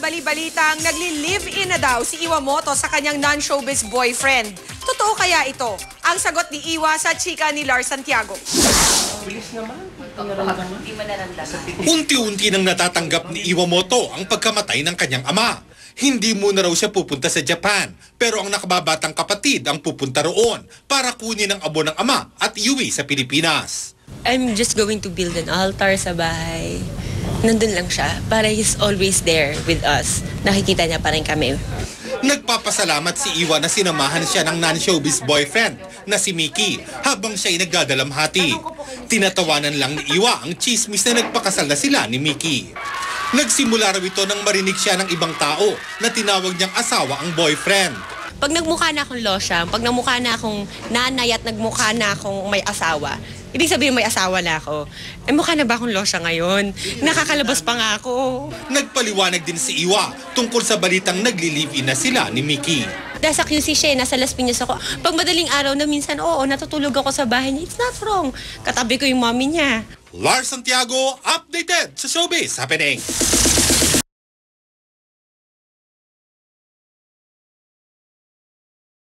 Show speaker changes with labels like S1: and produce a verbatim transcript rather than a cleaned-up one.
S1: bali-balitang nagli-live-in na daw si Iwamoto sa kanyang non-showbiz boyfriend. Totoo kaya ito? Ang sagot ni Iwa sa chika ni Lars Santiago.
S2: Bilis naman.
S3: Hindi mo naramdaman.
S4: Unti-unti nang natatanggap ni Iwamoto ang pagkamatay ng kanyang ama. Hindi muna raw siya pupunta sa Japan, pero ang nakababatang kapatid ang pupunta roon para kunin ang abo ng ama at iuwi sa Pilipinas.
S5: I'm just going to build an altar sa bahay. Nandun lang siya para he's always there with us. Nakikita niya pa rin kami.
S4: Nagpapasalamat si Iwa na sinamahan siya ng non-showbiz boyfriend na si Mickey habang siya'y nagdadalamhati. Tinatawanan lang ni Iwa ang chismis na nagpakasal na sila ni Mickey. Nagsimula raw ito nang marinig siya ng ibang tao na tinawag niyang asawa ang boyfriend.
S5: Pag nagmukha na akong losyang, pag nagmukha na akong nanay at nagmukha na akong may asawa, ibig sabihin may asawa na ako, eh mukha na ba akong losya ngayon? Nakakalabas pa nga ako.
S4: Nagpaliwanag din si Iwa tungkol sa balitang nagli-live-in na sila ni Mickey.
S5: Dahil sa Q C siya, nasa Las Piñas ako. Pag madaling araw na minsan, oo, natutulog ako sa bahay niya. It's not wrong. Katabi ko yung mommy niya.
S4: Lars Santiago, updated sa Showbiz Happening.